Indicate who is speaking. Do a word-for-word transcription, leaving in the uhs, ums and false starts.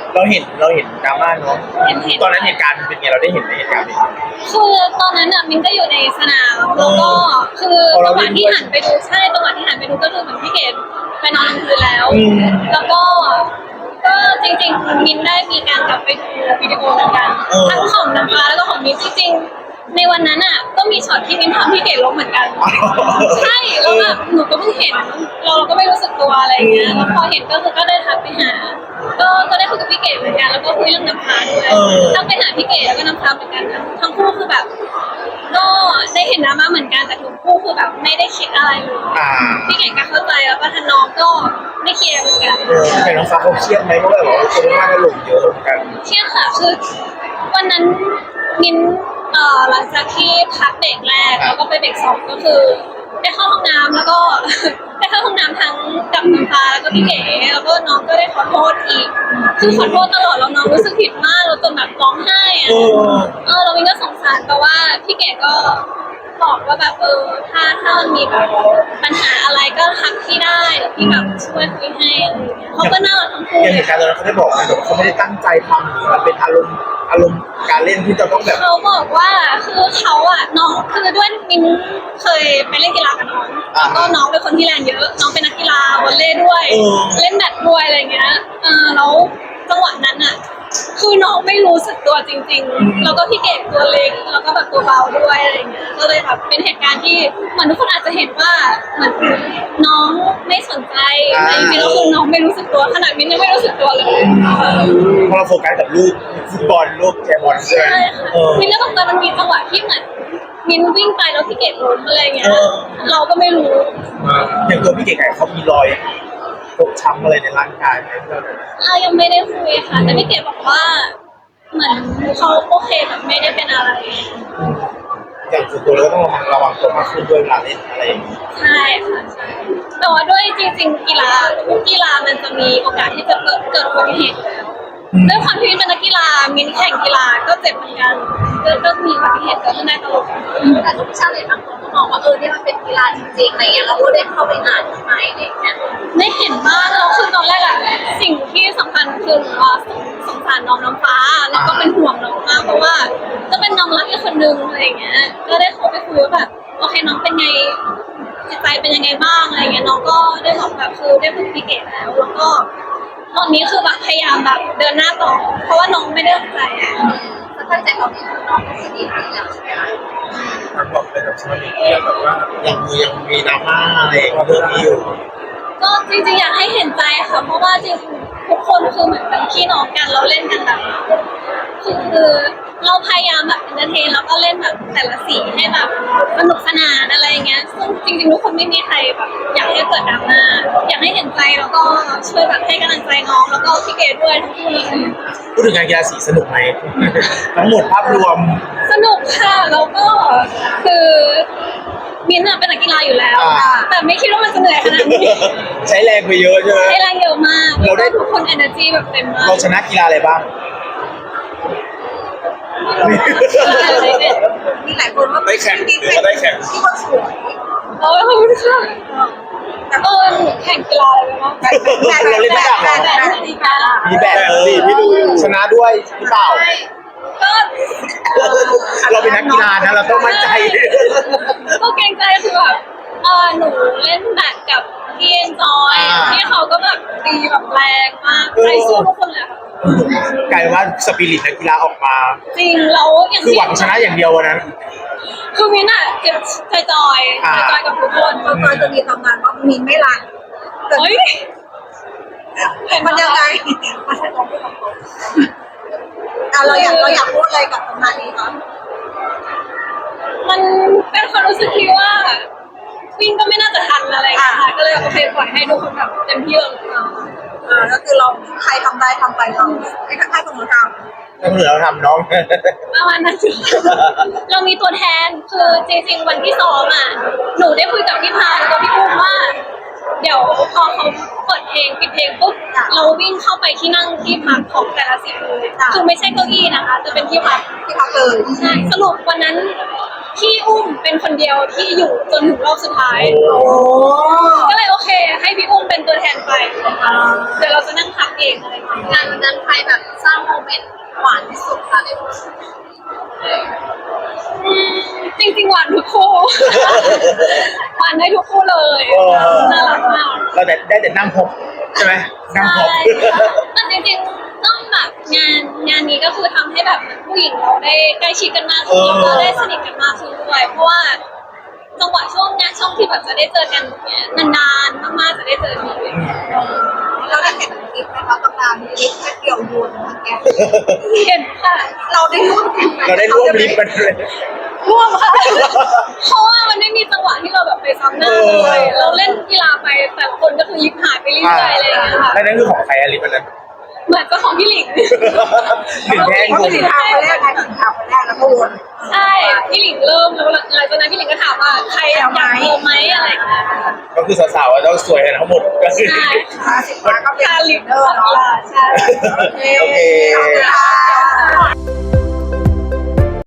Speaker 1: เราเห็นเราเห็นดราม่าเนาะ
Speaker 2: เห็นเห็น
Speaker 1: ตอนนั้นเหตุการณ์เป็นไงเราได้เห็นในเหตุการณ์นี้
Speaker 2: คือตอนนั้นอ่ะมินก็อยู่ในสนามแล้วก็คือจังหวะที่หันไปดูใช่จังหวะที่หันไปดูก็คือเหมือนพี่เกดไปนอนกลางคืนแล้ว แล้วก็ก็จริงๆมินได้มีการกลับไปดูวิดีโอเหมือนกันทั้งของน้ำฟ้าแล้วก็ของมินจริงๆในวันนั้นอ่ะก็มีช็อตที่มินทำพี่เกดล้มเหมือนกันใช่แล้วแบบหนูก็เพิ่งเห็นเราก็ไม่รู้สึกตัวอะไรเงี้ยแล้วพอเห็นก็คือก็ได้ทักไปหาก็ก็ได้คุยกับพี่เกดเหมือนกันแล้วก็คุยเรื่องน้ำฟ้าด้วยทักไปหาพี่เกดแล้วก็น้ำฟ้าเหมือนกันทั้งคู่คือแบบก็ได้เห็นดราม่าเหมือนกันแต่ทุกคู่คือแบบไม่ได้คิดอะไรเลยพี่เก่งก็เข้าใจแล้วก็ทางน้องก็ไม่เครียดเหมือนกัน
Speaker 1: แต่น้องฟ้าเขาเครียดไหมเพราะแบบว่าคนมากก็หลงเยอะเหมือนกัน
Speaker 2: เครียดค่ะคือวันนั้นมินเอ่อหลังจากที่พักเบรกแรกแล้วก็ไปเบรกสองก็คือได้เข้าห้องน้ำแล้วก็ได้เข้าห้องน้ำทั้งกับน้ำฟ้าแล้วก็พี่เก๋แล้วก็น้องก็ได้ขอโทษอีกคือขอโทษตลอดแล้วน้องรู้สึกผิดมากเราจนแบบร้องไห้อะเออเรามินก็สงสารแต่ว่าพี่เก๋ก็บอกว่าแบบเออถ้าถ้ามันมีแบบปัญหาอะไรก็ทักพี่ได้เดี๋ยวพี่แบบช่วยคุยให้อะไรอย่างเงี้ยเขาก็น่ารักทั้งคู่
Speaker 1: อย่างเหตุการณ์ตอนนั้นเขาได้บอกไหมแบบเขาไม่ได้ตั้งใจทำหรือมันเป็นอารมณ์อารมณ์การเล่นที่จะต้องแบบ
Speaker 2: เขาบอกว่าคือเขาอะน้องคือด้วยมินเคยไปเล่นกีฬากับน้องแล้วก็น้องเป็นคนที่แรงเยอะน้องเป็นนักกีฬาวอลเลย์ด้วยเล่นแบดด้วยอะไรเงี้ยเออแล้วจังหวะนั้นอะคือน้องไม่รู้สึกตัวจริงๆแล้วก็พี่เก๋ตัวเล็กแล้วก็แบบตัวเบาด้วยอะไรเงี้ยก็เลยแบบเป็นเหตุการณ์ที่เหมือนทุกคนอาจจะเห็นว่าเหมือนน้องไม่สนใจแต่จริงๆแล้วคือน้องไม่รู้สึกตัวขนาดมินยังไม่รู้สึกตัวเลย
Speaker 1: เพราะเราโฟกัสกับลูกฟุตบอลลูกแกบอลใช่
Speaker 2: มินก็ตอนมันมีจังหวะที่เหมือนมินวิ่งไปแล้วพี่เก๋ล้มอะไรเงี้ยเราก็ไม่รู้
Speaker 1: อย่างตัวพี่เก๋ไก่เขามีรอยฟกช้ำอะไรในร่างกายไหม
Speaker 2: เรายังไม่ได้คุยค่ะแต่พี่เก๋บอกว่าเหมือนเขาโอเคแบบไม่ได้เป็นอะไร
Speaker 1: อย่างส่วนตัวเราก็ต้องระวังระวังตัวมากขึ้นด้วยเวลาเล่นอะไรอย่างนี้
Speaker 2: ใช่ค่ะใช่แต่ว่าด้วยจริงๆกีฬาทุกกีฬามันจะมีโอกาสที่จะเกิดเกิดอุบัติเหตุแล้วด้วยความที่เป็นนักกีฬามินแข่งกีฬาก็เจ็บเหมือนกันก็ก็มีอุบัติเหตุเกิดขึ้นได้ตลอด
Speaker 3: แต่ทุกชาติเลยบางคนก็มองว่าเออเนี่ยมันเป็นกีฬาจริงๆอะไรเงี้ยเราก็ได้เข้าไปอ่านทำไมอะไรเงี้ย
Speaker 2: ได้เห็นบ้างแล้วคือตอนแรกอะสิ่งที่สำคัญคือว่าสงสารน้องน้ำฟ้าแล้วก็เป็นห่วงน้องมากเพราะว่าก็เป็นน้องรักอีกคนนึงอะไรเงี้ยก็ได้เข้าไปคุยว่าแบบโอเคน้องเป็นไงจิตใจเป็นยังไงบ้างอะไรเงี้ยน้องก็ได้บอกแบบคือได้พูดพี่เก๋แล้วแล้วก็ตอนนี้คือแบบพยายามแบบเดินหน้าต่อเพราะว่าน้องไม่ได้ตั้งใจ
Speaker 3: ถ้าตั้งใจเราดีน้องก็คือดีแล้วใช่ไหม
Speaker 1: ทางบอกเลยกับชาวเน็ตแบบว่ายังมียังมีดราม่าอะไรเรื่องนี้อยู่
Speaker 2: ก็จริงๆอยากให้เห็นใจค่ะเพราะว่าจริงๆทุกคนคือเหมือนเป็นพี่น้องกันเราเล่นกันแบบคือเราพยายามแบบเอนเตอร์เทนแล้วก็เล่นแบบแต่ละสีให้แบบสนุกสนานอะไรเงี้ยซึ่งจริงๆทุกคนไม่มีใครแบบอยากให้เกิดดราม่าอยากให้เห็นใจแล้วก็ช่วยแบบให้กำลังใจน้องแล้วก็พี่เกดด้วยทั้งคู่เลย
Speaker 1: พูดถึงงานกีฬาสีสนุกไหมทั้งหมดภาพรวม
Speaker 2: สนุกค่ะแล้วก็คือมินท์เป็นนักกีฬาอยู่แล้วแต่ไม่คิดว่ามันจะเหนื่อยขนาดนี้
Speaker 1: ใช้แรงไปเยอะใช่ไหม
Speaker 2: ใช้แรงเยอะมากเราได้ทุกคน energy แบบเต็มมาก
Speaker 1: เราชนะกีฬาอะไรบ้าง
Speaker 3: มีหลายคนว่า
Speaker 1: ได้แข่งหรือได้แข่ง
Speaker 3: ที่คนสวย
Speaker 2: โอ้ยขอบคุณค่ะเออแข่งกีฬาอะไรบ้าง
Speaker 1: เราเล่นไม่ได้หรอมีแบบสิพี่ดูชนะด้วยหรือเปล่า
Speaker 2: ก็
Speaker 1: เราเป็นนักกีฬานะเราต้องมั่นใจ
Speaker 2: ก็เกรงใจคือแบบเออหนูเล่นแบดกับพี่เอ็นจอยที่เขาก็แบบตีแบบแรงมากใจสู้ทุกคนเลยค่ะ
Speaker 1: กลายว่าสปิริตนักกีฬาออกมา
Speaker 2: จริงแล้วอย่าง
Speaker 1: คือหวังชนะอย่างเดียววันนั้น
Speaker 2: คือมินอะเก็บใจจอยใจจอยกับทุกคน
Speaker 3: จอยจะมีตำนานว่ามินไม่รัก
Speaker 2: เฮ้ย
Speaker 3: มันยังไงมาใช้ตัวพูดกับคนอ่ะเราอยากเราอยากพูดอะไรกับตำนานนี้คะ
Speaker 2: มันเป็นความรู้สึกที่ว่าวิ่งก็ไม่น่าจะทันอะไรอย่างเงี้ยค่ะก็เลยโอเคปล่อยให้ทุกคนแบบเต็มที่เลย
Speaker 3: อ่าก็คือเราใครทำได้ทำไปเราให้ให้คนอื่นทำ
Speaker 1: ถ้าเหลือเราทำน้อง
Speaker 2: ประมาณนั้นเรามีตัวแทนคือจริงๆวันที่ซ้อมอ่ะหนูได้คุยกับพี่พาแล้วก็พี่อุ้มว่าเดี๋ยวพอเขาเปิดเพลงปิดเพลงปุ๊บเราวิ่งเข้าไปที่นั่งที่พักของแต่ละสีเลยคือไม่ใช่เก้าอี้นะคะจะเป็นที่พัก
Speaker 3: ที่พักเลย
Speaker 2: ใช่สรุปวันนั้นพี่อุ้มเป็นคนเดียวที่อยู่จนถึงรอบสุดท้ายก็เลยโอเคให้พี่อุ้มเป็นตัวแทนไปเดี๋ยวเราจะนั่งพักเองอะไรอย่างเงี้ย
Speaker 3: งานวันนั้นใครแบบสร้างโมเมนต์หวานที่สุดคะใน
Speaker 2: อืมจริงๆหวานทุกคู่ หวานได้ทุกคู่เลยน่ารักมาก
Speaker 1: เราแต่ได้แต่นั่งพบใช่ไหมนั่งพบ
Speaker 2: ใช่แต่จริงๆต้องแบบงานงานนี้ก็คือทำให้แบบผู้หญิงเราได้ใกล้ชิดกันมากขึ้นแล้วก็ได้สนิทกันมากขึ้นด้วยเพราะว่าจังหวะช่วงงานช่วงที่แบบจะได้เจอกันเนี่ยนานๆมากๆจะได้เจอที
Speaker 3: เราได้เห็นคลิปไหมคะตำนานลิฟต์แค่เกี่ยวยูนนะแก
Speaker 2: เห็นค่ะ
Speaker 3: เราได้ร่วมกันไหม
Speaker 1: เราได้ร่วมลิฟต์กันเลย
Speaker 2: ร่วมค่ะ เพราะว่ามันไม่มีจังหวะที่เราแบบไปซ้ำหน้าเลย เราเล่นกีฬาไปแต่ละคนก็คือลิฟต์หายไปเรื่อยๆอะไรอย่างเงี้ยค่ะ
Speaker 1: แล้วนั่นคือของใครอะลิฟต์อันนั้น
Speaker 2: เหมือนเจ้าของพี่หลิง
Speaker 1: หลิงแท่ง
Speaker 3: เพราะ
Speaker 1: คุ
Speaker 3: มัน
Speaker 1: ณ
Speaker 3: ถึงทางคนแรกไงถึงทางคนแรกแล้วก็วน
Speaker 2: ใช่พี่หลิงเริ่มแล้วหลังจากนั้นพี่หลิงก็ถามว่าใครอยากโทรไหมอะไรอย่างเงี้ย
Speaker 1: ก็คือสาวๆต้องสวยกันทั้งหมดก็คือ
Speaker 2: ใช่
Speaker 3: ห้าสิบล้านก็เป็น
Speaker 2: คาลิฟ
Speaker 3: เดอร์เนาะ
Speaker 2: ใช่
Speaker 1: โอเค
Speaker 3: ขอบคุณค่ะ